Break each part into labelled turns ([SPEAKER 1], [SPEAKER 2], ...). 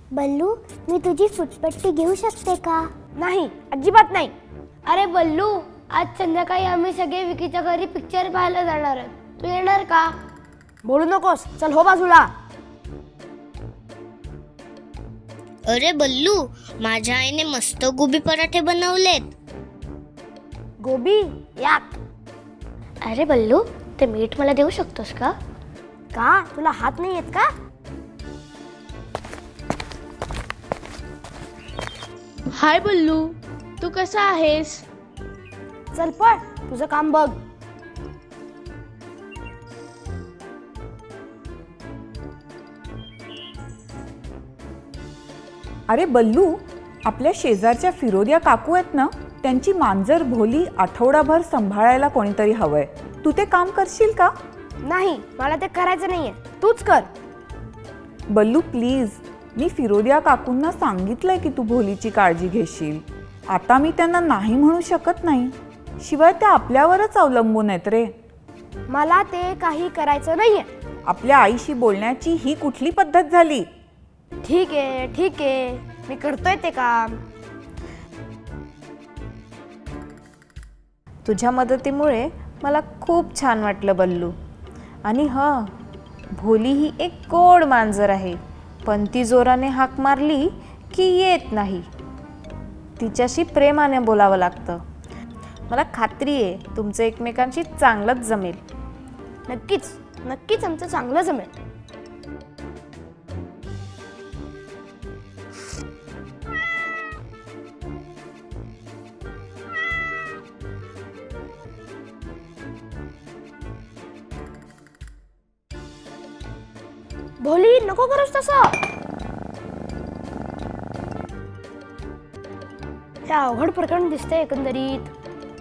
[SPEAKER 1] बल्लू, मी तुझी फुटपट्टी घेऊ शकते का?
[SPEAKER 2] नाही, अजिबात नाही. अरे बल्लू, आज संध्याकाळी आम्ही सगळे विकीच्या घरी पिक्चर पाहायला जाणार आहोत. तू येणार का? बोलू नकोस, चल हो बाजूला.
[SPEAKER 3] अरे बल्लू, माझ्या आईने मस्त गोबी पराठे बनवलेत.
[SPEAKER 2] गोबी याक. अरे बल्लू, ते मीठ मला देऊ शकतोस का? का तुला हात नाही येत का?
[SPEAKER 4] हाय बल्लू, तू कसा आहेस?
[SPEAKER 2] चल पळ, तुझं काम बघ.
[SPEAKER 5] अरे बल्लू, आपल्या शेजारच्या फिरोदिया काकू आहेत ना, त्यांची मांजर भोली आठवडाभर सांभाळायला कोणीतरी हवंय. तू ते काम करशील का?
[SPEAKER 2] नाही, मला ते करायचं नाहीये, तूच कर.
[SPEAKER 5] बल्लू प्लीज, मी फिरोदिया काकूंना सांगितलंय की तू भोलीची काळजी घेशील. आता मी त्यांना नाही म्हणू शकत नाही. शिवाय त्या आपल्यावरच अवलंबून आहेत रे.
[SPEAKER 2] मला ते काही करायचं नाहीये.
[SPEAKER 5] आपल्या आईशी बोलण्याची ही कुठली पद्धत झाली?
[SPEAKER 2] ठीक आहे, ठीक आहे, मी करतोय ते काम.
[SPEAKER 6] तुझ्या मदतीमुळे मला खूप छान वाटलं बल्लू. आणि हां, भोली ही एक गोड मांजर आहे, पण ती जोराने हाक मारली की येत नाही. तिच्याशी प्रेमाने बोलावं लागतं. मला खात्री आहे तुमचं एकमेकांशी चांगलंच जमेल.
[SPEAKER 2] नक्कीच, नक्कीच आमचं चांगलं जमेल. भोली, नको करूस तसं. हे अवघड प्रकरण दिसतंय एकंदरीत.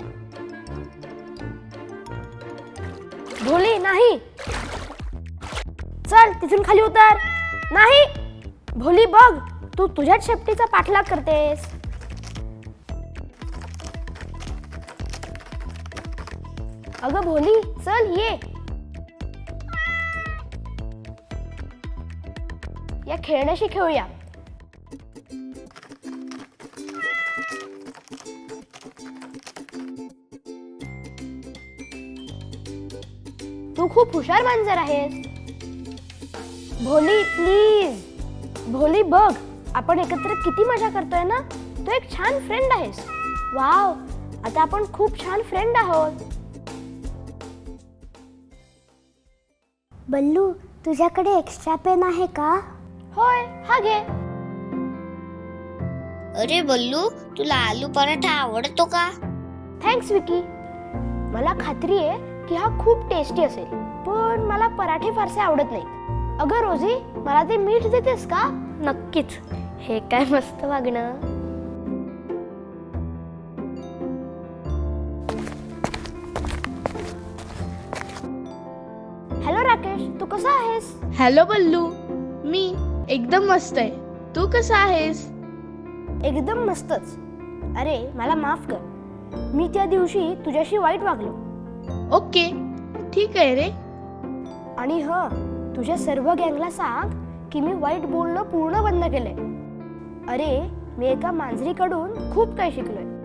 [SPEAKER 2] भोली नाही. चल तिथून खाली उतर. नाही भोली, बघ तू तुझ्याच शेपटीचा पाठलाग करतेस. अगं भोली, चल ये. या खेळण्याशी खेळूया. तू खूप हुशार मांजर आहेस. भोली प्लीज. भोली बघ, आपण एकत्र किती मजा करतोय ना. तू एक छान फ्रेंड आहेस. वाव, आता आपण खूप छान फ्रेंड आहोत.
[SPEAKER 1] बल्लू, तुझ्याकडे एक्स्ट्रा पेन आहे का?
[SPEAKER 2] होय, हा घे.
[SPEAKER 3] अरे बल्लू, तुला आलू पराठा आवडतो का?
[SPEAKER 2] थँक्स विकी. मला खात्री आहे की हा खूप टेस्टी असेल, पण मला पराठे फारसे आवडत नाहीत. अगं रोजी, मला ते मीठ देतेस का? नक्कीच. हे काय मस्त वागणं. हॅलो राकेश, तू कसा आहेस?
[SPEAKER 4] हॅलो बल्लू, मी एकदम मस्त आहे. तू कसा आहेस?
[SPEAKER 2] एकदम मस्तच. अरे मला माफ कर, मी त्या दिवशी तुझ्याशी वाईट वागलो.
[SPEAKER 4] ओके, ठीक आहे रे.
[SPEAKER 2] आणि तुझ्या सर्व गँगला सांग की मी वाईट बोलणं पूर्ण बंद केलंय. अरे, मी एका मांजरीकडून खूप काही शिकलोय.